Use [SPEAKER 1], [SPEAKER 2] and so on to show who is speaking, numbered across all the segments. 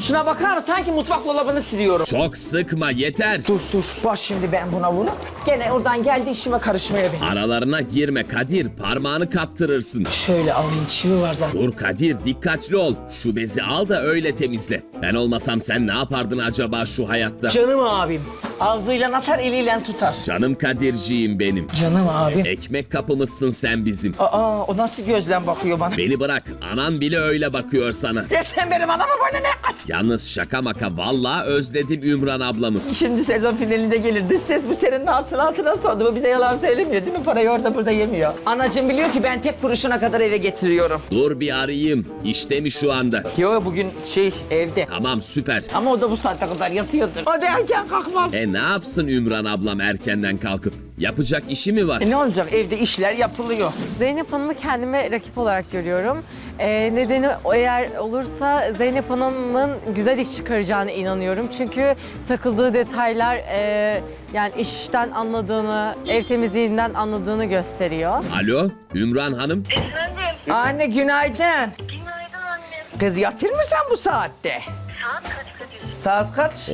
[SPEAKER 1] Şuna bakar mısın? Sanki mutfak dolabını siliyorum.
[SPEAKER 2] Çok sıkma yeter.
[SPEAKER 1] Dur bak şimdi ben buna vurup gene oradan geldi işime karışmaya benim.
[SPEAKER 2] Aralarına girme Kadir, parmağını kaptırırsın.
[SPEAKER 1] Şöyle alayım, çivi var zaten.
[SPEAKER 2] Dur Kadir, dikkatli ol. Şu bezi al da öyle temizle. Ben olmasam sen ne yapardın acaba şu hayatta?
[SPEAKER 1] Canım abim. Ağzıyla atar, eliyle tutar.
[SPEAKER 2] Canım Kadirciğim benim.
[SPEAKER 1] Canım abim.
[SPEAKER 2] Ekmek kapımızsın sen bizim.
[SPEAKER 1] Aa, o nasıl gözle bakıyor bana?
[SPEAKER 2] Beni bırak, anan bile öyle bakıyor sana.
[SPEAKER 1] Ya sen benim anama böyle ne at?
[SPEAKER 2] Yalnız şaka maka, vallahi özledim Ümran ablamı.
[SPEAKER 1] Şimdi sezon finalinde gelir. Dış ses bu senin hasılatına sordu. Bu bize yalan söylemiyor değil mi? Parayı orada burada yemiyor. Anacığım biliyor ki ben tek kuruşuna kadar eve getiriyorum.
[SPEAKER 2] Dur bir arayayım. İşte mi şu anda?
[SPEAKER 1] Yo bugün evde.
[SPEAKER 2] Tamam süper.
[SPEAKER 1] Ama o da bu saate kadar yatıyordur. O da erken kalkmaz.
[SPEAKER 2] Ne yapsın Ümran ablam erkenden kalkıp? Yapacak işi mi var?
[SPEAKER 1] Ne olacak? Evde işler yapılıyor.
[SPEAKER 3] Zeynep Hanım'ı kendime rakip olarak görüyorum. Nedeni eğer olursa Zeynep Hanım'ın güzel iş çıkaracağına inanıyorum. Çünkü takıldığı detaylar yani işten anladığını, ev temizliğinden anladığını gösteriyor.
[SPEAKER 2] Alo, Ümran Hanım.
[SPEAKER 4] Efendim?
[SPEAKER 1] Anne günaydın.
[SPEAKER 4] Günaydın annem.
[SPEAKER 1] Kız yatır mı sen bu saatte?
[SPEAKER 4] Saat kaç Kadir?
[SPEAKER 1] Saat kaç?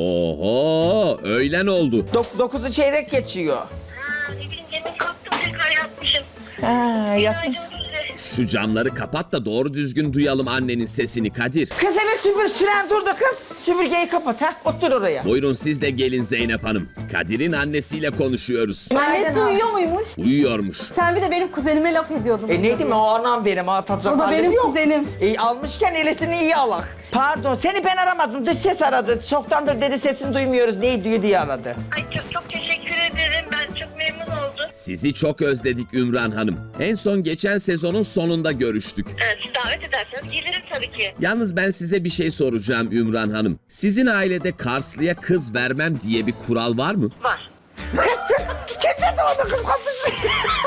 [SPEAKER 2] Oho, öğlen oldu.
[SPEAKER 1] 9'u çeyrek geçiyor.
[SPEAKER 4] Ha, ne bileyim demin kalktım tekrar yatmışım.
[SPEAKER 1] Ha, yattın.
[SPEAKER 4] Günaydın size.
[SPEAKER 2] Şu camları kapat da doğru düzgün duyalım annenin sesini Kadir.
[SPEAKER 1] Kız hele süren durdu kız. Süpürgeyi kapat ha. Otur oraya.
[SPEAKER 2] Buyurun siz de gelin Zeynep Hanım. Kadir'in annesiyle konuşuyoruz.
[SPEAKER 5] Annesi uyuyor muymuş?
[SPEAKER 2] Uyuyormuş.
[SPEAKER 5] Sen bir de benim kuzenime laf ediyordun.
[SPEAKER 1] Neydi mi o anam benim atacak
[SPEAKER 5] O da
[SPEAKER 1] halim
[SPEAKER 5] benim
[SPEAKER 1] yok.
[SPEAKER 5] kuzenim.
[SPEAKER 1] Almışken elesini iyi alak. Pardon seni ben aramadım dış ses aradı. Çoktandır dedi sesini duymuyoruz neyi diyor diye aradı.
[SPEAKER 4] Ay çok teşekkür ederim. Ben çok memnun oldum.
[SPEAKER 2] Sizi çok özledik Ümran Hanım. En son geçen sezonun sonunda görüştük.
[SPEAKER 4] Siz davet ederseniz gelirim tabii ki.
[SPEAKER 2] Yalnız ben size bir şey soracağım Ümran Hanım. Sizin ailede Karslı'ya kız vermem diye bir kural var mı?
[SPEAKER 4] Var.
[SPEAKER 1] Kız kim dedi onu kız kapışı?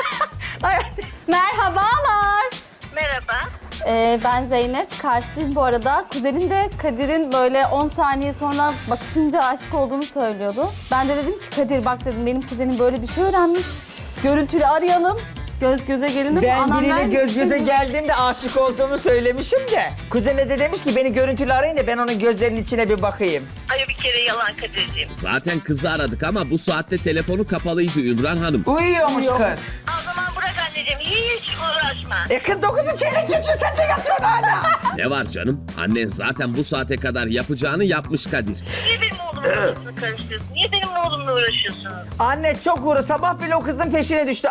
[SPEAKER 5] Merhabalar.
[SPEAKER 4] Merhaba.
[SPEAKER 5] Ben Zeynep. Karslıyım bu arada. Kuzenim de Kadir'in böyle 10 saniye sonra bakışınca aşık olduğunu söylüyordu. Ben de dedim ki Kadir bak dedim benim kuzenim böyle bir şey öğrenmiş. Görüntülü arayalım. Göz göze gelelim.
[SPEAKER 1] Ben
[SPEAKER 5] Anam
[SPEAKER 1] biriyle göz
[SPEAKER 5] neredesin?
[SPEAKER 1] göze geldiğimde aşık olduğumu söylemişim de. Kuzene de demiş ki beni görüntülü arayın da ben onun gözlerinin içine bir bakayım.
[SPEAKER 4] Ay bir kere yalan Kadir'ciğim.
[SPEAKER 2] Zaten kızı aradık ama bu saatte telefonu kapalıydı Ümran Hanım.
[SPEAKER 1] Uyuyormuş kız.
[SPEAKER 4] O zaman bırak anneciğim. Hiç uğraşma.
[SPEAKER 1] Kız 9'u çeyrek geçiyor sen de yatıyorsun hala.
[SPEAKER 2] Ne var canım? Annen zaten bu saate kadar yapacağını yapmış Kadir.
[SPEAKER 4] Niye benim oğlumun arasını karıştırıyorsun? Niye benim oğlumla uğraşıyorsunuz?
[SPEAKER 1] Anne çok uğru sabah bile o kızın peşine düştü.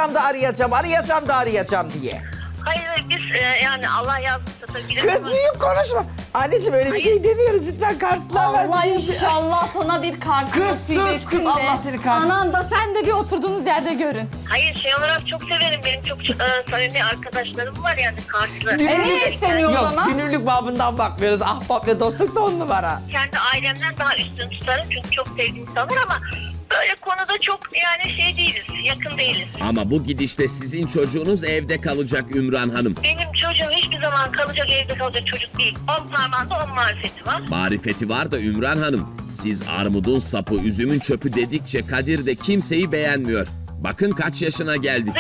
[SPEAKER 1] Arayacağım diye.
[SPEAKER 4] Hayır biz yani Allah yazmışsa tabii.
[SPEAKER 1] Kız büyük konuşma. Anneciğim öyle bir şey demiyoruz lütfen karşılarlar.
[SPEAKER 5] Allah inşallah sana bir Kars
[SPEAKER 1] Kız
[SPEAKER 5] nasip
[SPEAKER 1] sus,
[SPEAKER 5] etsin
[SPEAKER 1] kız,
[SPEAKER 5] de.
[SPEAKER 1] Allah seni kahretsin.
[SPEAKER 5] Anan da sen de bir oturduğunuz yerde görün.
[SPEAKER 4] Hayır şey olarak çok severim. Benim çok samimi arkadaşlarım var yani Karslı.
[SPEAKER 5] niye istemiyor o
[SPEAKER 1] Yok
[SPEAKER 5] zaman?
[SPEAKER 1] günürlük babından bakmıyoruz. Ahbap ve dostluk da 10 numara.
[SPEAKER 4] Kendi ailemden daha üstün tutarım çünkü çok sevdiğim insanlar ama böyle konuda çok yani şey değiliz, yakın değiliz.
[SPEAKER 2] Ama bu gidişte sizin çocuğunuz evde kalacak Ümran Hanım.
[SPEAKER 4] Benim çocuğum hiçbir zaman kalacak evde kalacak çocuk değil. 10 parmağında 10 marifeti var.
[SPEAKER 2] Marifeti var da Ümran Hanım. Siz armudun sapı, üzümün çöpü dedikçe Kadir de kimseyi beğenmiyor. Bakın kaç yaşına geldi.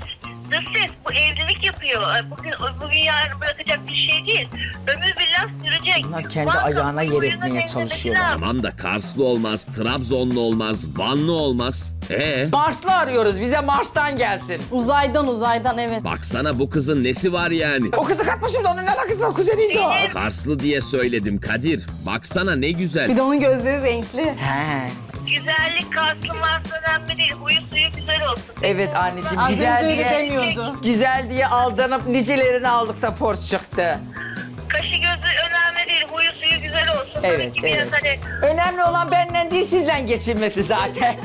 [SPEAKER 4] Dış ses bu evlilik yapıyor. Bugün yarın bırakacak bir şey değil. Ömür billah sürecek.
[SPEAKER 1] Bunlar kendi
[SPEAKER 4] Muhakkak
[SPEAKER 1] ayağına yer
[SPEAKER 4] boyuna
[SPEAKER 1] etmeye
[SPEAKER 4] benzemesi
[SPEAKER 1] çalışıyorlar.
[SPEAKER 4] lazım.
[SPEAKER 2] Tamam da Karslı olmaz, Trabzonlu olmaz, Vanlı olmaz.
[SPEAKER 1] Marslı arıyoruz bize Mars'tan gelsin.
[SPEAKER 5] Uzaydan evet.
[SPEAKER 2] Baksana bu kızın nesi var yani?
[SPEAKER 1] O kızı katmışım da onun ne alakası var kuzeniydi o.
[SPEAKER 2] Karslı diye söyledim Kadir. Baksana ne güzel.
[SPEAKER 5] Bir de onun gözleri renkli.
[SPEAKER 1] He.
[SPEAKER 4] Güzellik Kars'ın varsa önemli değil. Huyu suyu güzel olsun.
[SPEAKER 1] Evet anneciğim
[SPEAKER 5] Az
[SPEAKER 1] güzel
[SPEAKER 5] önce öyle
[SPEAKER 1] diye,
[SPEAKER 5] demiyordu.
[SPEAKER 1] güzel diye aldanıp nicelerini aldık da force çıktı.
[SPEAKER 4] Kaşı gözü önemli değil. Huyu suyu güzel olsun.
[SPEAKER 1] Evet,
[SPEAKER 4] Tabii ki biraz
[SPEAKER 1] evet.
[SPEAKER 4] hani
[SPEAKER 1] Önemli olan benden değil sizle geçinmesi zaten.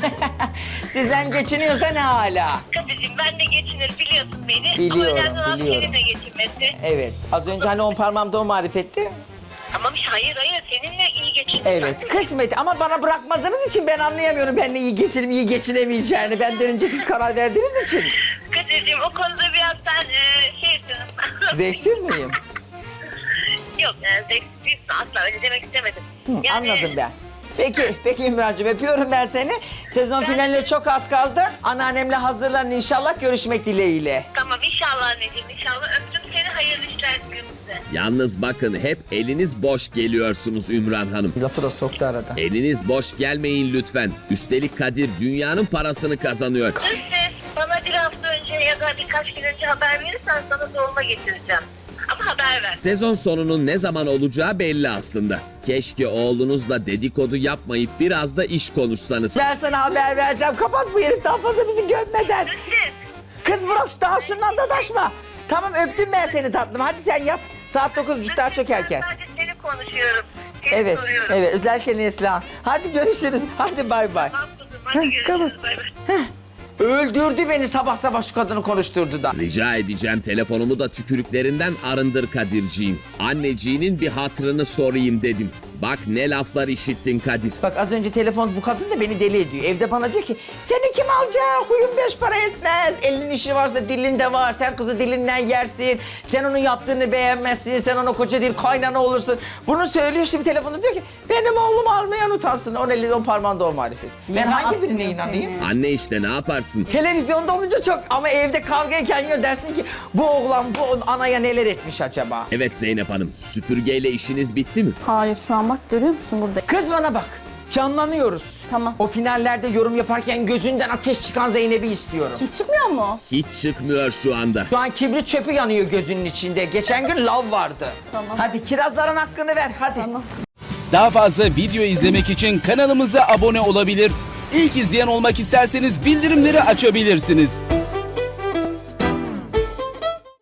[SPEAKER 1] Sizle geçiniyorsa ne hala.
[SPEAKER 4] Kadir'cim ben de geçinir biliyorsun beni.
[SPEAKER 1] Biliyorum,
[SPEAKER 4] Ama önemli olan
[SPEAKER 1] biliyorum.
[SPEAKER 4] seninle geçinmesi.
[SPEAKER 1] Evet az önce hani 10 parmağımda o marifetti.
[SPEAKER 4] Tamam hayır seninle iyi geçinir.
[SPEAKER 1] Evet kısmet ama bana bırakmadığınız için ben anlayamıyorum benimle iyi geçinip iyi geçinemeyeceğini. Benden önce siz karar verdiğiniz için.
[SPEAKER 4] Kadir'cim o konuda biraz sen şeysin.
[SPEAKER 1] Zevksiz miyim?
[SPEAKER 4] Yok zevksiz asla öyle demek istemedim.
[SPEAKER 1] Hı, anladım ben. Peki İmrancığım öpüyorum ben seni. Sezon finaline çok az kaldı. Anneannemle hazırlanın inşallah görüşmek dileğiyle.
[SPEAKER 4] Tamam inşallah anneciğim inşallah öptüm seni hayırlı işler gün. size.
[SPEAKER 2] Yalnız bakın hep eliniz boş geliyorsunuz Ümran Hanım.
[SPEAKER 1] Lafı da soktu arada.
[SPEAKER 2] Eliniz boş gelmeyin lütfen. Üstelik Kadir dünyanın parasını kazanıyor.
[SPEAKER 4] Dış ses bana bir hafta önce ya da birkaç gün önce haber verirsen sana dolma getireceğim. Ama haber ver.
[SPEAKER 2] Sezon sonunun ne zaman olacağı belli aslında. Keşke oğlunuzla dedikodu yapmayıp biraz da iş konuşsanız.
[SPEAKER 1] Ben sana haber vereceğim. Kapat bu herif daha fazla bizi gömmeden.
[SPEAKER 4] Dış ses.
[SPEAKER 1] Kız bırak daha şundan da taşma. Tamam öptüm ben seni tatlım. Hadi sen yat. Saat 9.30 daha çökerken.
[SPEAKER 4] Ben sadece seni konuşuyorum. Seni
[SPEAKER 1] Evet,
[SPEAKER 4] soruyorum.
[SPEAKER 1] evet. Özellikle Neslihan. Hadi görüşürüz. Hadi bay bay.
[SPEAKER 4] Tamam kızım, hadi görüşürüz. Bay bay.
[SPEAKER 1] Öldürdü beni sabah sabah şu kadını konuşturdu da.
[SPEAKER 2] Rica edeceğim telefonumu da tükürüklerinden arındır Kadirciğim. Anneciğinin bir hatırını sorayım dedim. Bak ne laflar işittin Kadir.
[SPEAKER 1] Bak az önce telefon bu kadın da beni deli ediyor. Evde bana diyor ki seni kim alacak? Huyun beş para etmez. Elin işi varsa dilinde var. Sen kızı dilinden yersin. Sen onun yaptığını beğenmezsin. Sen ona koca değil kaynana olursun. Bunu söylüyor şimdi telefonda diyor ki benim oğlum almayan utansın. 10 elinde 10 parmağında o marifet. Ben hangi birine inanayım?
[SPEAKER 2] Anne işte ne yaparsın?
[SPEAKER 1] Televizyonda olunca çok ama evde kavga ederken dersin ki bu oğlan bu anaya neler etmiş acaba?
[SPEAKER 2] Evet Zeynep Hanım, süpürgeyle işiniz bitti mi?
[SPEAKER 5] Hayır şu an bak görüyor musun burada?
[SPEAKER 1] Kız bana bak. Canlanıyoruz.
[SPEAKER 5] Tamam.
[SPEAKER 1] O finallerde yorum yaparken gözünden ateş çıkan Zeynep'i istiyorum.
[SPEAKER 5] Hiç çıkmıyor mu?
[SPEAKER 2] Hiç çıkmıyor şu anda.
[SPEAKER 1] Şu an kibrit çöpü yanıyor gözünün içinde. Geçen gün lav vardı.
[SPEAKER 5] Tamam.
[SPEAKER 1] Hadi kirazların hakkını ver hadi.
[SPEAKER 5] Tamam.
[SPEAKER 6] Daha fazla video izlemek için kanalımıza abone olabilir. İlk izleyen olmak isterseniz bildirimleri açabilirsiniz.